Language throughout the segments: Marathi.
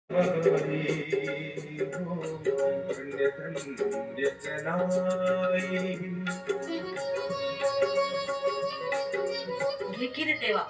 घे की रे देवा.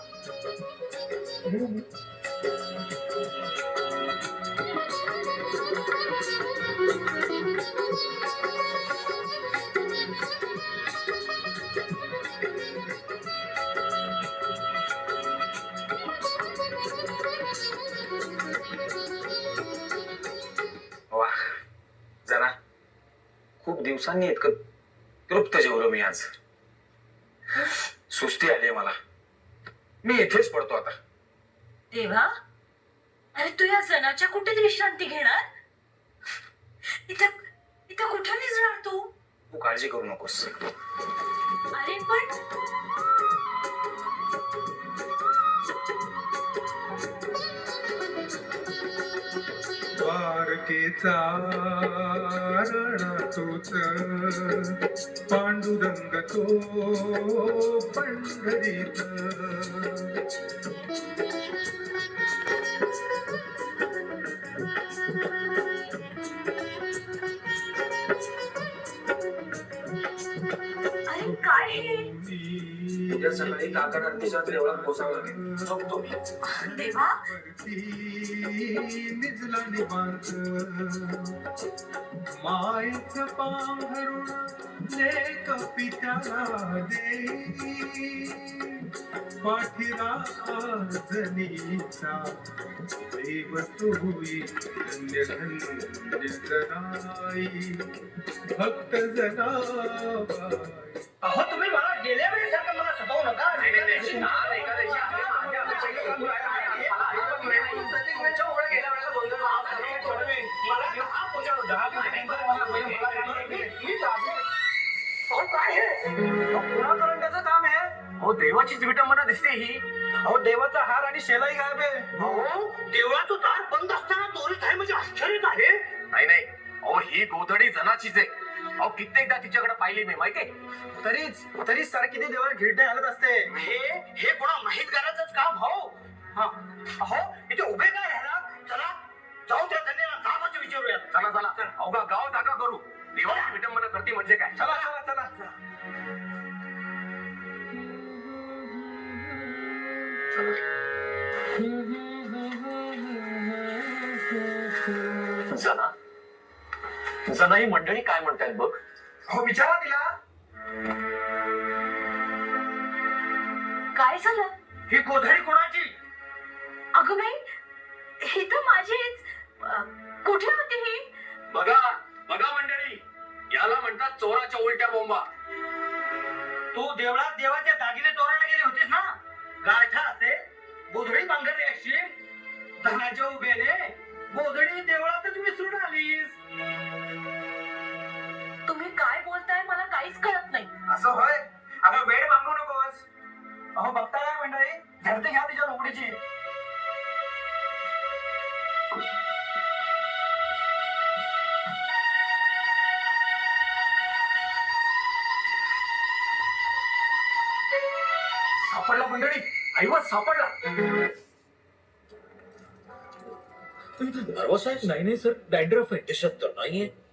वा, जरा खूप दिवसांनी इतकं तृप्त जेवलो मी आज. सुस्ती आली मला. मी इथेच पडतो आता. देवा, अरे तू या जनाच्या कुठे विश्रांती घेणार? इथं इथं कुठं निजणार तू? तू काळजी करू नकोस. अरे पण द्वारकेचा राणा तोच पांडुरंग तो पंढरीत. अरे काय हे? उद्या सकाळी काकड आरतीच्या देवळात पोचावं लागेल. झोपतो मी. देवा, निजला निवांत मायेच पांघरुण लेक पित्याला देई. पाठीरा जनीचा देव तुई धन्य धन्य जनाई भक्त जनाबाई. अहो तुम्ही मला गेल्या वेळेसारखं मला सतावू नका. काम आहे. अहो देवाचीच विटंबना दिसते ही. अहो देवाचा हार आणि शेलाई गायब आहे. अहो देवळाचं दार बंद असताना चोरीच आहे म्हणजे आश्चर्यच आहे. नाही नाही, अहो ही गोधडी जनाचीच आहे. अहो कित्येकदा तिच्याकडे पाहिली मी, माहितीये. तरीच सारखी ती देवाला गिरणे हलत असते. हे कोणा माहितगाराचंच काम हो. अहो इथे उभे काय राहणार? चला जाऊ त्या धन्याला जाबाचं विचारूया. चला चला, अवघा गाव जागा करू. देवाची विटंबना करते म्हणजे काय? चला चला चला. जना जना ही मंडळी काय म्हणतायत बघ. हो विचारा तिला. काय झालं? ही गोधडी कोणाची? अगं बाई, हे तर माझीच. कुठे होती ही? बघा बघा मंडळी, याला म्हणतात चोराच्या उलट्या बोंबा. तू देवळात देवाचे दागिने चोरायला गेली होतीस ना? गाठा असे गोधडी पांघरली अशी धनाच्या उभेने गोधडी देवळातच विसरून आलीस. तुम्ही काय बोलताय मला काहीच कळत नाही. असं होय? अगं वेळ मागू नकोस. अहो बघता काय मंडळी, झडते घ्या तिच्या रोकडीची. सापडला मंडळी, ऐवत सापडला. नर्वस आहे? नाही नाही सर, डॅन्ड्रफ आहे. त्याच्यात तर नाहीये.